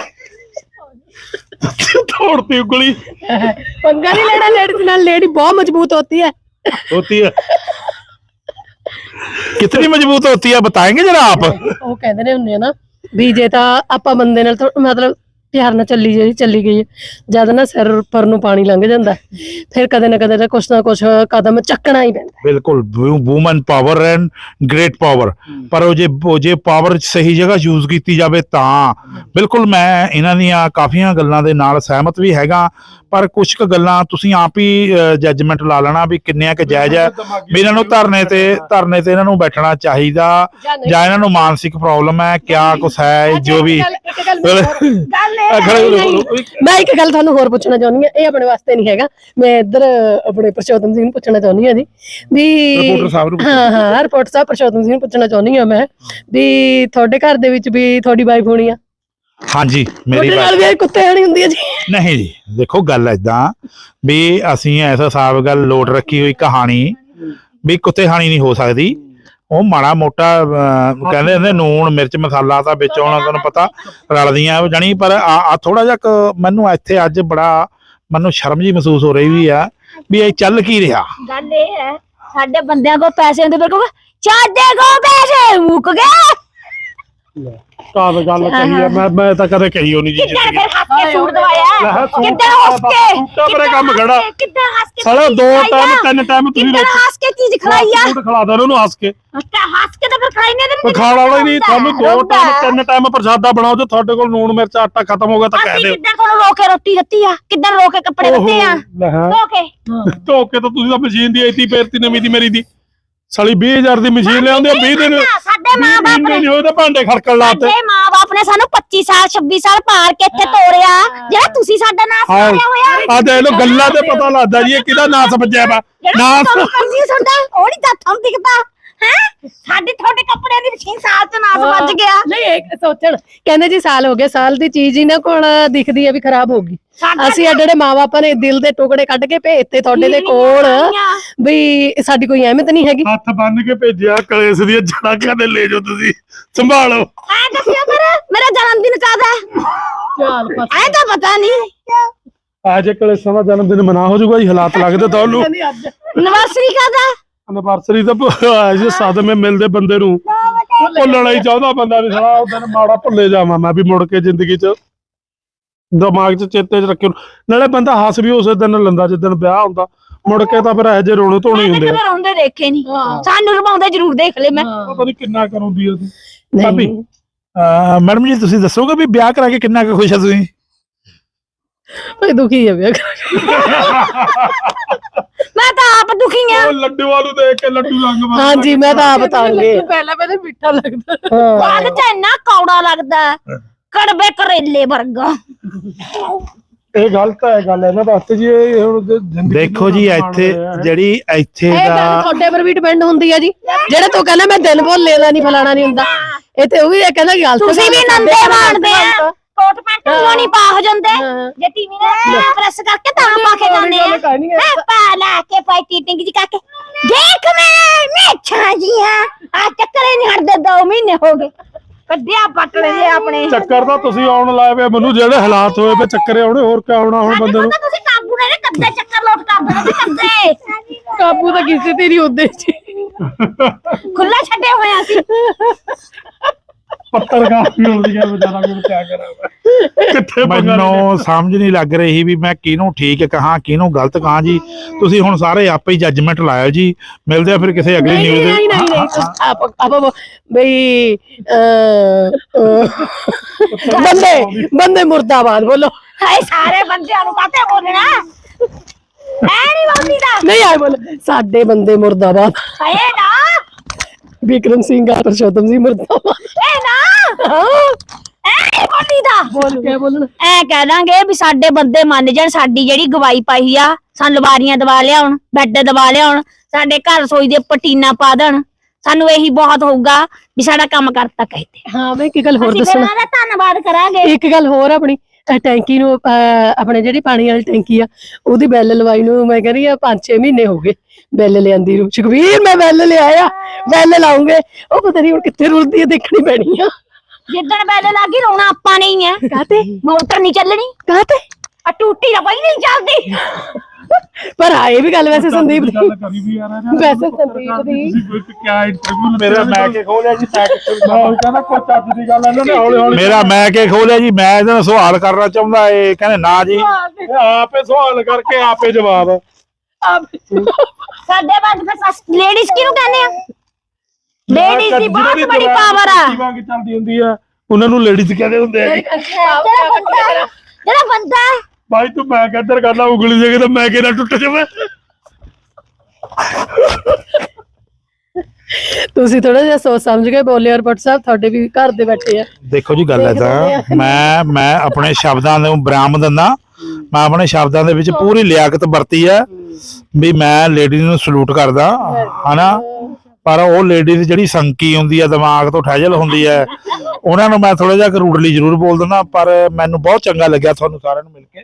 ਤੋੜਤੀ ਉਂਗਲੀ पंगा नहीं लेना, लेडीज नाल लेडी बहुत मजबूत होती है। कितनी मजबूत होती है बताएंगे जरा आप? ਉਹ ਕਹਿੰਦੇ ਨੇ ਹੁੰਦੇ ਆ ਨਾ ਵੀ ਜੇ ਤਾਂ ਆਪਾਂ ਬੰਦੇ ਨਾਲ ਮਤਲਬ ਪਿਆਰ ਨਾਲ ਚੱਲੀ ਗਈ ਜਦ ਨਾ ਸਿਰ ਪਰ ਨੂੰ ਪਾਣੀ ਲੰਘ ਜਾਂਦਾ ਫਿਰ ਕਦੇ ਨਾ ਕਦੇ ਕੁਛ ਨਾ ਕੁਛ ਕਦਮ ਚੱਕਣਾ ਹੀ ਪੈਂਦਾ। ਬਿਲਕੁਲ woman power and great power, ਪਰ ਉਹ ਜੇ ਪਾਵਰ ਸਹੀ ਜਗ੍ਹਾ ਯੂਜ਼ ਕੀਤੀ ਜਾਵੇ ਤਾਂ ਬਿਲਕੁਲ ਮੈਂ ਇਹਨਾਂ ਦੀਆਂ ਕਾਫੀਆਂ ਗੱਲਾਂ ਦੇ ਨਾਲ ਸਹਿਮਤ ਵੀ ਹੈਗਾ। ਪਰ ਕੁਝ ਕੁ ਗੱਲਾਂ ਤੁਸੀਂ ਆਪ ਹੀ ਜੱਜਮੈਂਟ ਲਾ ਲੈਣਾ ਵੀ ਕਿੰਨਿਆਂ ਕੁ ਜਾਇਜ਼ ਹੈ, ਵੀ ਇਹਨਾਂ ਨੂੰ ਧਰਨੇ ਤੇ ਇਹਨਾਂ ਨੂੰ ਬੈਠਣਾ ਚਾਹੀਦਾ ਜਾਂ ਇਹਨਾਂ ਨੂੰ ਮਾਨਸਿਕ ਪ੍ਰੋਬਲਮ ਹੈ, ਕਿਆ ਕੁਛ ਹੈ ਜੋ ਵੀ। ਮੈਂ ਇੱਕ ਗੱਲ ਤੁਹਾਨੂੰ ਹੋਰ ਪੁੱਛਣਾ ਚਾਹੁੰਦੀ ਹਾਂ, ਇਹ ਆਪਣੇ ਵਾਸਤੇ ਨਹੀਂ ਹੈਗਾ, ਮੈਂ ਇੱਧਰ ਆਪਣੇ ਪ੍ਰਸ਼ੋਤਮ ਸਿੰਘ ਨੂੰ ਪੁੱਛਣਾ ਚਾਹੁੰਦੀ ਹਾਂ ਜੀ ਵੀ ਹਾਂ ਰਿਪੋਰਟਰ ਸਾਹਿਬ ਪ੍ਰਸ਼ੋਤਮ ਸਿੰਘ ਨੂੰ ਪੁੱਛਣਾ ਚਾਹੁੰਦੀ ਹਾਂ ਮੈਂ ਵੀ ਤੁਹਾਡੇ ਘਰ ਦੇ ਵਿੱਚ ਵੀ ਤੁਹਾਡੀ ਵਾਈਫ ਹੋਣੀ ਆ? ਹਾਂਜੀ ਮੇਰੀ ਨਾਲ ਵੀ ਕੁੱਤੇ ਹਣੀ ਹੁੰਦੀ ਹੈ ਜੀ? ਨਹੀਂ ਜੀ, ਦੇਖੋ ਗੱਲ ਏਦਾਂ ਵੀ ਅਸੀਂ ਐਸਾ ਹਿਸਾਬ ਗੱਲ ਲੋਟ ਰੱਖੀ ਹੋਈ ਕਹਾਣੀ ਵੀ ਕੁੱਤੇ ਹਾਣੀ ਨਹੀਂ ਹੋ ਸਕਦੀ। ਉਹ ਮਾੜਾ ਮੋਟਾ ਕਹਿੰਦੇ ਹੁੰਦੇ ਨੂਣ ਮਿਰਚ ਮਸਾਲਾ ਤਾਂ ਵਿੱਚ ਆਉਣਾ ਤੁਹਾਨੂੰ ਪਤਾ ਰਲਦੀਆਂ ਜਾਣੀ, ਪਰ ਆ ਥੋੜਾ ਜਿਹਾ ਮੈਨੂੰ ਇੱਥੇ ਅੱਜ ਬੜਾ ਮੈਨੂੰ ਸ਼ਰਮ ਜੀ ਮਹਿਸੂਸ ਹੋ ਰਹੀ ਵੀ ਆ ਵੀ ਇਹ ਚੱਲ ਕੀ ਰਿਹਾ। ਗੱਲ ਇਹ ਹੈ ਸਾਡੇ ਬੰਦਿਆਂ ਕੋਲ ਪੈਸੇ ਹੁੰਦੇ ਪਰ ਕਹੂਗਾ ਸਾਡੇ ਕੋਲ ਪੈਸੇ ਮੁੱਕ ਗਏ। ਕਾਹ ਗੱਲ ਕਹੀ ਹੈ, ਮੈਂ ਤਾਂ ਕਦੇ ਕਹੀ ਹੋਣੀ ਜੀ। ਕਿੱਦਾਂ ਫਿਰ ਹੱਸ ਕੇ ਸੂਟ ਦਵਾਇਆ, ਕਿੱਦਾਂ ਹੱਸ ਕੇ ਮੇਰੇ ਕੰਮ ਖੜਾ ਕਿੱਦਾਂ ਹੱਸ ਕੇ ਸਾਲਾ 2 ਟਾਈਮ 3 ਟਾਈਮ ਤੁਸੀਂ ਕਿੱਦਾਂ ਹੱਸ ਕੇ ਚੀਜ਼ ਖਵਾਈ ਆ, ਸੂਟ ਖਿਲਾ ਦੋ ਉਹਨੂੰ ਹੱਸ ਕੇ। ਹੱਸ ਕੇ ਤਾਂ ਫਿਰ ਖਾਈ ਨਹੀਂ ਤੇ ਖਾਣ ਵਾਲਾ ਹੀ ਨਹੀਂ, ਤੁਹਾਨੂੰ 2 ਟਾਈਮ 3 ਟਾਈਮ ਪ੍ਰਸ਼ਾਦਾ ਬਣਾਓ, ਜੇ ਤੁਹਾਡੇ ਕੋਲ ਨੂਣ ਮਿਰਚ ਆਟਾ ਖਤਮ ਹੋ ਗਿਆ ਤਾਂ ਕਹਿ ਦਿਓ। ਕਿੱਦਾਂ ਤੁਹਾਨੂੰ ਰੋ ਕੇ ਰੋਟੀ ਦਿੱਤੀ ਆ, ਕਿੱਦਾਂ ਰੋ ਕੇ ਕੱਪੜੇ ਦਿੱਤੇ ਆ, ਧੋ ਕੇ ਤਾਂ ਤੁਸੀਂ ਤਾਂ ਮਸ਼ੀਨ ਦੀ ਆਈਤੀ ਫੇਰਤੀ ਨਵੀਂ ਦੀ ਮੇਰੀ ਦੀ ਸਾਲੀ 20000 ਦੀ ਮਸ਼ੀਨ ਲਿਆਉਂਦੇ 20 ਦਿਨ ਸਾਡੇ ਮਾਂ-ਬਾਪ ਨਹੀਂ ਹੋਏ ਤਾਂ ਭਾਂਡੇ ਖੜਕਣ ਲਾਤੇ। ਸਾਡੇ ਮਾਂ-ਬਾਪ ਨੇ ਸਾਨੂੰ 25 ਸਾਲ 26 ਸਾਲ ਪਾਲ ਕੇ ਇੱਥੇ ਤੋਰਿਆ, ਜਿਹੜਾ ਤੁਸੀਂ ਸਾਡਾ ਨਾਸ ਮਾਰਿਆ ਹੋਇਆ। ਆ ਦੇਖ ਲੋ ਗੱਲਾਂ ਤੇ ਪਤਾ ਲੱਗਦਾ ਜੀ ਇਹ ਕਿਹਦਾ ਨਾਸ ਵੱਜਿਆ ਵਾ। ਨਾਸ ਕਰਦੀ ਤੁਹਾਡਾ ਉਹ ਨਹੀਂ ਤਾਂ ਤੁਹਾਨੂੰ ਦਿਖਦਾ ਹੈ, ਸਾਡੇ ਤੁਹਾਡੇ ਕੱਪੜਿਆਂ ਦੀ ਮਸ਼ੀਨ ਸਾਲ ਚ ਨਾਸ ਵੱਜ ਗਿਆ। ਨਹੀਂ ਇਹ ਸੋਚਣ ਕਹਿੰਦੇ ਜੀ ਸਾਲ ਹੋ ਗਏ, ਸਾਲ ਦੀ ਚੀਜ਼ ਇਹਨਾਂ ਕੋਲ ਦਿਖਦੀ ਹੈ ਵੀ ਖਰਾਬ ਹੋ ਗਈ। ਅਸੀਂ ਜਿਹੜੇ ਮਾਂ-ਬਾਪਾਂ ਨੇ ਦਿਲ ਦੇ ਟੁਕੜੇ ਕੱਢ ਕੇ ਭੇਜਤੇ ਤੁਹਾਡੇ ਦੇ ਕੋਲ ਵੀ ਸਾਡੀ ਕੋਈ ਅਹਿਮੀਅਤ ਨਹੀਂ ਹੈਗੀ। ਹੱਥ ਬੰਨ ਕੇ ਭੇਜਿਆ ਕਲੇਸ਼ ਦੀਆਂ ਜੜਾਂ ਕਹਿੰਦੇ ਲੈ ਜਾਓ ਤੁਸੀਂ ਸੰਭਾਲੋ। ਐ ਦੱਸਿਓ ਮੇਰਾ ਜਨਮ ਦਿਨ ਕਦ ਹੈ? ਐ ਤਾਂ ਪਤਾ ਨਹੀਂ। ਅੱਜ ਕਲੇਸ਼ਾਂ ਦਾ ਜਨਮ ਦਿਨ ਮਨਾ ਹੋ ਜਾਊਗਾ ਜੀ, ਹਾਲਾਤ ਲੱਗਦੇ ਤੁਹਾਨੂੰ। ਐਨਵਰਸਰੀ ਕਦ ਹੈ? ਐਨਵਰਸਰੀ ਤਾਂ ਜੇ ਸਦਮੇ ਮਿਲਦੇ ਬੰਦੇ ਨੂੰ ਭੁੱਲਣਾ ਹੀ ਚਾਹੁੰਦਾ ਬੰਦਾ ਵੀ ਸਾਲਾ ਉਹ ਦਿਨ ਮਾੜਾ ਭੁੱਲੇ ਜਾਵਾਂ ਮੈਂ ਵੀ ਮੁੜ ਕੇ ਜ਼ਿੰਦਗੀ 'ਚ ਦਿਮਾਗ 'ਚ ਚੇਤੇ 'ਚ ਰੱਖਿਓ। ਨਾਲੇ ਬੰਦਾ ਹੱਸ ਵੀ ਉਸੇ ਦਿਨ ਲੈਂਦਾ ਜਿੱਦਣ ਵਿਆਹ ਹੁੰਦਾ, ਮੁੜ ਕੇ ਤਾਂ ਫਿਰ ਇਹੋ ਜਿਹੇ ਰੋਣੇ ਧੋਣੇ ਹੁੰਦੇ ਆ। ਰੋਂਦੇ ਦੇਖੇ ਨਹੀਂ, ਸਾਨੂੰ ਰਵਾਉਂਦੇ ਜ਼ਰੂਰ ਦੇਖ ਲੈ। ਮੈਂ ਪਤਾ ਨਹੀਂ ਕਿੰਨਾ ਕਰਉਂਦੀ ਆ ਤੂੰ ਭਾਬੀ। ਮੈਡਮ ਜੀ ਤੁਸੀਂ ਦੱਸੋਗੇ ਵੀ ਵਿਆਹ ਕਰਾ ਕੇ ਕਿੰਨਾ ਕੁ ਖੁਸ਼ ਆ ਤੁਸੀਂ? ਦੁਖੀ ਹੈ ਵਿਆਹ ਮੈਂ ਤਾਂ ਆਪ ਦੁਖੀ ਆ। ਉਹ ਲੱਡੂ ਵਾਲੂ ਦੇਖ ਕੇ ਲੱਡੂ ਰੰਗ ਬਦਲ। ਹਾਂਜੀ ਮੈਂ ਤਾਂ ਆਪ ਤਾਂਗੇ ਪਹਿਲਾਂ ਮਿੱਠਾ ਲੱਗਦਾ, ਬਾਅਦ ਚ ਇੰਨਾ ਕੌੜਾ ਲੱਗਦਾ ਕੜਵੇ ਕਰੇਲੇ ਵਰਗਾ। ਇਹ ਗਲਤ ਹੈ ਗੱਲ ਇਹਨਾਂ ਵਾਸਤੇ ਜੀ। ਇਹ ਹੁਣ ਜ਼ਿੰਦਗੀ ਦੇਖੋ ਜੀ ਇੱਥੇ ਜਿਹੜੀ ਇੱਥੇ ਇਹ ਗੱਲ ਦਾ ਤੁਹਾਡੇ ਪਰ ਵੀ ਡਿਪੈਂਡ ਹੁੰਦੀ ਹੈ ਜੀ। ਜਿਹੜੇ ਤੂੰ ਕਹਿੰਦਾ ਮੈਂ ਦਿਨ ਭੁੱਲੇ ਦਾ ਨਹੀਂ ਫਲਾਣਾ ਨਹੀਂ ਹੁੰਦਾ, ਇਹ ਤੇ ਉਹ ਵੀ ਕਹਿੰਦਾ ਗਲਤ। ਤੁਸੀਂ ਵੀ ਨੰਦੇ ਮਾਣਦੇ ਆ, ਕੋਟ ਪੈਂਟ ਨੂੰ ਨਹੀਂ ਪਾ ਹੋ ਜਾਂਦੇ ਜੇ ਟੀਵੀ ਨੇ ਪ੍ਰੈਸ ਕਰਕੇ ਤਾਂ ਪਾ ਕੇ ਜਾਂਦੇ ਆ। ਮੈਂ ਪਾ ਲਾ ਕੇ ਪਾਈ ਟਿੰਗ ਜੀ ਕਰਕੇ ਦੇਖ ਮੈਂ ਛਾ ਜੀ ਆ ਚੱਕਰੇ ਨਹੀਂ ਹਟਦੇ 2 ਮਹੀਨੇ ਹੋ ਗਏ ਕੱਢਿਆ ਪਟਲੇ ਜੇ ਆਪਣੇ। ਚੱਕਰ ਤਾਂ ਤੁਸੀਂ ਆਉਣ ਲਾਏ ਵੇ ਮੈਨੂੰ, ਜਿਹੜੇ ਹਾਲਾਤ ਹੋਏ ਵੇ ਚੱਕਰੇ ਆਉਣੇ, ਹੋਰ ਕਿਆ ਆਉਣਾ ਹੁਣ ਬੰਦੇ ਨੂੰ। ਤੁਸੀਂ ਕਾਬੂ ਨੇ ਕੱਦੇ ਚੱਕਰ ਲੋਟ ਕਰਦੇ ਕੱਦੇ ਕਾਬੂ ਤਾਂ ਕਿਸੇ ਤੇ ਨਹੀਂ ਹੁੰਦੇ ਜੀ, ਖੁੱਲਾ ਛੱਡੇ ਹੋਏ ਅਸੀਂ। ਪੱਤਰਕਾਰ ਵੀ ਹੁੰਦੀ ਹੈ ਵਿਚਾਰਾ ਮੈਨੂੰ ਕਿਆ ਕਰਾਂ ਕਿੱਥੇ ਮੈਨੂੰ ਸਮਝ ਨਹੀਂ ਲੱਗ ਰਹੀ ਵੀ ਮੈਂ ਕਿਹਨੂੰ ਠੀਕ ਕਹਾਂ ਕਿਹਨੂੰ ਗਲਤ ਕਹਾਂ ਜੀ। ਤੁਸੀਂ ਹੁਣ ਸਾਰੇ ਆਪੇ ਹੀ ਜੱਜਮੈਂਟ ਲਾਇਓ ਜੀ। ਮਿਲਦੇ ਆ ਫਿਰ ਕਿਸੇ ਅਗਲੀ ਨਹੀਂ ਨਿਊਜ਼ ਨਹੀਂ ਨਹੀਂ ਨਹੀਂ ਤੁਸੀਂ ਆਪ ਬਈ ਬੰਦੇ ਮੁਰਦਾਬਾਦ ਬੋਲੋ। ਹਾਏ ਸਾਰੇ ਬੰਦਿਆਂ ਨੂੰ ਕਾਤੇ ਬੋਲਣਾ ਐ ਨਹੀਂ ਬੋਲਦੀ ਦਾ ਨਹੀਂ ਆਏ ਬੋਲੋ ਸਾਡੇ ਬੰਦੇ ਮੁਰਦਾਬਾਦ। ਹਾਏ ਨਾ ਵਿਕਰਮ ਸਿੰਘ ਪਰਸ਼ੋਤਮ ਸਿੰਘ ਮੁਰਦਾਬਾਦ। ਐ ਨਾ ਐ ਨਹੀਂ ਬੋਲਦੀ ਦਾ ਬੋਲ ਕੇ ਬੋਲਣਾ ਐ ਕਹਿ ਦਾਂਗੇ ਵੀ ਸਾਡੇ ਬੰਦੇ ਮੰਨ ਜਾਣ, ਸਾਡੀ ਜਿਹੜੀ ਗਵਾਈ ਪਾਈ ਆ ਸਾਨੂੰ ਲਵਾਰੀਆਂ ਦਵਾ ਲਿਆਉਣ, ਬੈੱਡ ਦਵਾ ਲਿਆਉਣ, ਸਾਡੇ ਘਰ ਰਸੋਈ ਦੇ ਪਟੀਨਾ ਪਾ ਦੇਣ, ਸਾਨੂੰ ਇਹੀ ਬਹੁਤ ਹੋਊਗਾ ਵੀ ਸਾਡਾ ਕੰਮ ਕਰਤਾ ਕਹਿੰਦੇ। ਹਾਂ ਮੈਂ ਇੱਕ ਗੱਲ ਹੋਰ ਅਸੀਂ ਫਿਰ ਦੱਸਣਾ। ਉਹਨਾਂ ਦਾ ਧੰਨਵਾਦ ਕਰਾਂਗੇ। ਇੱਕ ਗੱਲ ਹੋਰ ਆਪਣੀ ਟੈਂਕੀ ਨੂੰ ਆਪਣੇ ਜਿਹੜੀ ਪਾਣੀ ਵਾਲੀ ਟੈਂਕੀ ਆ ਉਹਦੀ ਬੈਲ ਲਵਾਈ ਨੂੰ ਮੈਂ ਕਹਿੰਦੀ ਆ 5-6 ਮਹੀਨੇ ਹੋ ਗਏ ਬੈਲ ਲਿਆਂਦੀ ਨੂੰ। ਸੁਖਵੀਰ ਮੈਂ ਬੈਲ ਲਿਆਇਆ ਬੈਲ ਲਾਉਂਗੇ ਉਹ ਪਤਾ ਨਹੀਂ ਹੁਣ ਕਿੱਥੇ ਰੁਲਦੀ ਹੈ ਦੇਖਣੀ ਪੈਣੀ ਆ। ਜਿੱਦਣ ਬੈਲ ਲੱਗੀ ਰੋਣਾ ਆਪਾਂ ਨਹੀਂ ਹੈ। ਕਾਤੇ ਮੋਟਰ ਨਹੀਂ ਚੱਲਣੀ, ਕਾਤੇ ਆ ਟੂਟੀ ਦਾ ਪਈ ਨਹੀਂ ਚੱਲਦੀ। ਪਰ ਆਏ ਵੀ ਗੱਲ ਵੈਸੇ ਸੰਦੀਪ ਦੀ ਗੱਲ ਕਰੀ ਵੀ ਯਾਰ ਵੈਸੇ ਸੰਦੀਪ ਦੀ ਤੁਸੀਂ ਕਿਆ ਇੰਟਰਵਿਊ ਮੇਰਾ ਮੈਂ ਕੇ ਖੋਲਿਆ ਜੀ ਮੈਂ ਕਹਿੰਦਾ ਕੋਈ ਚੱਜ ਦੀ ਗੱਲ ਇਹਨਾਂ ਨੇ ਹੌਲੀ ਹੌਲੀ ਮੇਰਾ ਮੈਂ ਕੇ ਖੋਲਿਆ ਜੀ। ਮੈਂ ਇਹਨਾਂ ਨੂੰ ਸਵਾਲ ਕਰਨਾ ਚਾਹੁੰਦਾ ਇਹ ਕਹਿੰਦੇ ਨਾ ਜੀ। ਆਪੇ ਸਵਾਲ ਕਰਕੇ ਆਪੇ ਜਵਾਬ। ਸਾਡੇ ਬੰਦ ਫਿਰ ਲੇਡੀਜ਼ ਕਿਹਨੂੰ ਕਹਿੰਦੇ ਆ? ਲੇਡੀਜ਼ ਦੀ ਬਹੁਤ ਬੜੀ ਪਾਵਰ ਆ। ਵਾਂਗ ਚੱਲਦੀ ਹੁੰਦੀ ਆ ਉਹਨਾਂ ਨੂੰ ਲੇਡੀਜ਼ ਕਹਿੰਦੇ ਹੁੰਦੇ ਆ। ਜਿਹੜਾ ਬੰਦਾ ਭਾਈ ਤੂੰ ਮੈਂ ਕਿੱਧਰ ਕਰਨਾ ਉਂਗਲੀ ਜੇ ਤਾਂ ਮੈਂ ਕਿਹਨਾਂ ਟੁੱਟ ਜਾਵੇ। ਤੁਸੀਂ ਥੋੜਾ ਜਿਹਾ ਸੋਚ ਸਮਝ ਕੇ ਬੋਲੇ ਔਰ ਭੱਟ ਸਾਹਿਬ ਤੁਹਾਡੇ ਵੀ ਘਰ ਦੇ ਬੈਠੇ ਆ। ਦੇਖੋ ਜੀ ਗੱਲ ਏਦਾਂ ਮੈਂ ਆਪਣੇ ਸ਼ਬਦਾਂ ਨੂੰ ਵਿਰਾਮ ਦਿੰਦਾ। ਮੈਂ ਆਪਣੇ ਸ਼ਬਦਾਂ ਦੇ ਵਿੱਚ ਪੂਰੀ ਲਿਆਕਤ ਵਰਤੀ ਹੈ ਵੀ ਮੈਂ ਲੇਡੀ ਨੂੰ ਸਲੂਟ ਕਰਦਾ ਹਨਾ। ਪਰ ਉਹ ਲੇਡੀਜ਼ ਜਿਹੜੀ ਸੰਕੀ ਹੁੰਦੀ ਹੈ ਦਿਮਾਗ ਤੋਂ ਠਹਿਜਲ ਹੁੰਦੀ ਹੈ ਉਹਨਾਂ ਨੂੰ ਮੈਂ ਥੋੜਾ ਜਿਹਾ ਰੂਡਲੀ ਜ਼ਰੂਰ ਬੋਲ ਦਿੰਦਾ। ਪਰ ਮੈਨੂੰ ਬਹੁਤ ਚੰਗਾ ਲੱਗਿਆ ਤੁਹਾਨੂੰ ਸਾਰਿਆਂ ਨੂੰ ਮਿਲ ਕੇ।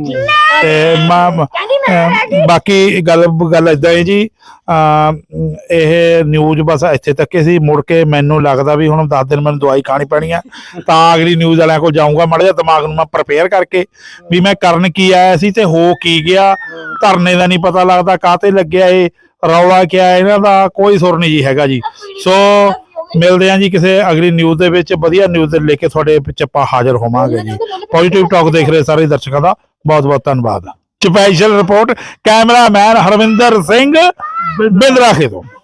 ਤੇ ਬਾਕੀ ਗੱਲ ਏਦਾਂ ਹੈ ਜੀ ਇਹ ਨਿਊਜ਼ ਬਸ ਇੱਥੇ ਤੱਕ ਸੀ। ਮੁੜ ਕੇ ਮੈਨੂੰ ਲੱਗਦਾ ਵੀ ਹੁਣ 10 ਦਿਨ ਮੈਨੂੰ ਦਵਾਈ ਖਾਣੀ ਪੈਣੀ ਆ ਤਾਂ ਅਗਲੀ ਨਿਊਜ਼ ਵਾਲਿਆਂ ਕੋਲ ਜਾਊਂਗਾ। ਮਾੜਾ ਜਿਹਾ ਦਿਮਾਗ ਨੂੰ ਮੈਂ ਪ੍ਰਪੇਅਰ ਕਰਕੇ ਵੀ ਮੈਂ ਕਰਨ ਕੀ ਆਇਆ ਸੀ ਤੇ ਹੋ ਕੀ ਗਿਆ। ਧਰਨੇ ਦਾ ਨਹੀਂ ਪਤਾ ਲੱਗਦਾ ਕਾਹਤੇ ਲੱਗਿਆ ਇਹ ਰੌਲਾ ਕਿਆ ਇਹਨਾਂ ਦਾ ਕੋਈ ਸੁਰ ਨਹੀਂ ਜੀ ਹੈਗਾ ਜੀ। ਸੋ ਮਿਲਦੇ ਹਾਂ ਜੀ ਕਿਸੇ ਅਗਲੀ ਨਿਊਜ਼ ਦੇ ਵਿੱਚ ਵਧੀਆ ਨਿਊਜ਼ ਲੈ ਕੇ ਤੁਹਾਡੇ ਵਿੱਚ ਆਪਾਂ ਹਾਜ਼ਰ ਹੋਵਾਂਗੇ ਜੀ। ਪੋਜ਼ਿਟਿਵ ਟਾਕ ਦੇਖ ਰਹੇ ਸਾਰੇ ਦਰਸ਼ਕਾਂ ਦਾ ਬਹੁਤ ਬਹੁਤ ਧੰਨਵਾਦ। Special report cameraman Harvinder Singh Bindrakhe ਤੋਂ।